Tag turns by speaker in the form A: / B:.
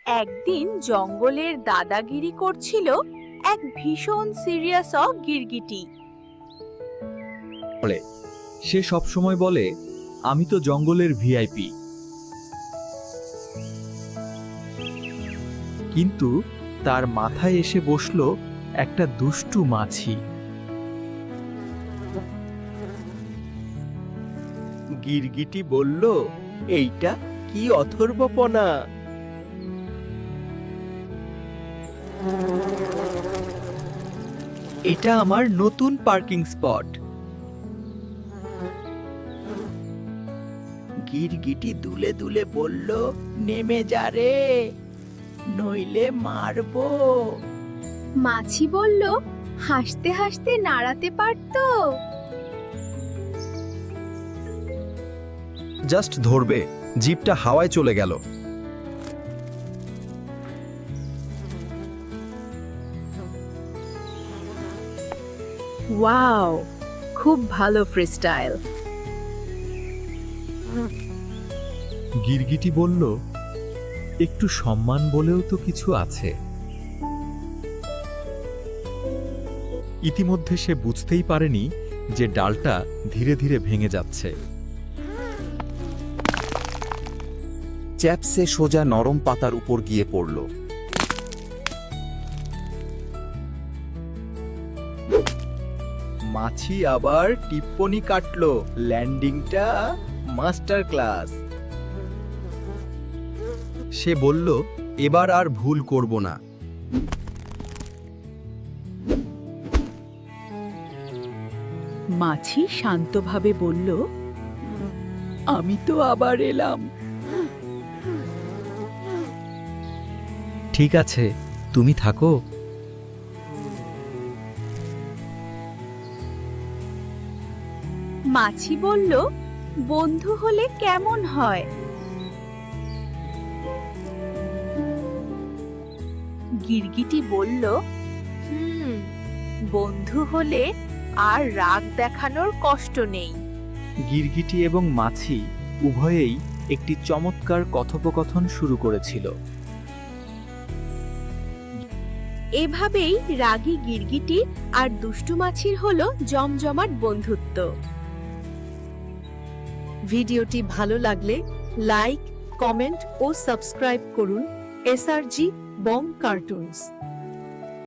A: একদিন জঙ্গলের দাদাগিরি করছিল এক ভীষণ সিরিয়াস গিরগিটি।
B: সে সবসময় বলে, আমি তো জঙ্গলের ভিআইপি। কিন্তু তার মাথায় এসে বসলো একটা দুষ্টু মাছি।
C: গিরগিটি বলল, এইটা কি অথর্বপনা! এটা আমার নতুন পার্কিং স্পট। গিরগিটি দুলে দুলে বলল, নেমে যা রে, নইলে মারবো।
A: মাছি বলল, হাসতে হাসতে নাড়াতে পারতো।
B: জাস্ট ধরবে, জিপটা হাওয়ায় চলে গেল।
A: ওয়াও, খুব ভালো ফ্রিস্টাইল।
B: গিরগিটি বলল, একটু সম্মান বলেও তো কিছু আছে। ইতিমধ্যে সে বুঝতেই পারেনি যে ডালটা ধীরে ধীরে ভেঙে যাচ্ছে।
D: চ্যাপসে সোজা নরম পাতার উপর গিয়ে পড়ল।
C: মাছি আবার টিপ্পনি কাটলো, ল্যান্ডিংটা মাস্টার ক্লাস।
B: সে বলল, এবার আর ভুল করব না।
A: মাছি শান্তভাবে বলল, আমি তো আবার এলাম।
B: ঠিক আছে, তুমি থাকো।
A: মাছি বলল, বন্ধু হলে কেমন হয়? গিরগিটি বলল, বন্ধু হলে আর রাগ দেখানোর কষ্ট নেই।
B: গিরগিটি এবং মাছি উভয়েই একটি চমৎকার কথোপকথন শুরু করেছিল।
A: এভাবেই রাগী গিরগিটি আর দুষ্টু মাছির হলো জমজমাট বন্ধুত্ব।
E: ভিডিওটি ভালো লাগলে লাইক, কমেন্ট ও সাবস্ক্রাইব করুন। SRG Bong cartoons.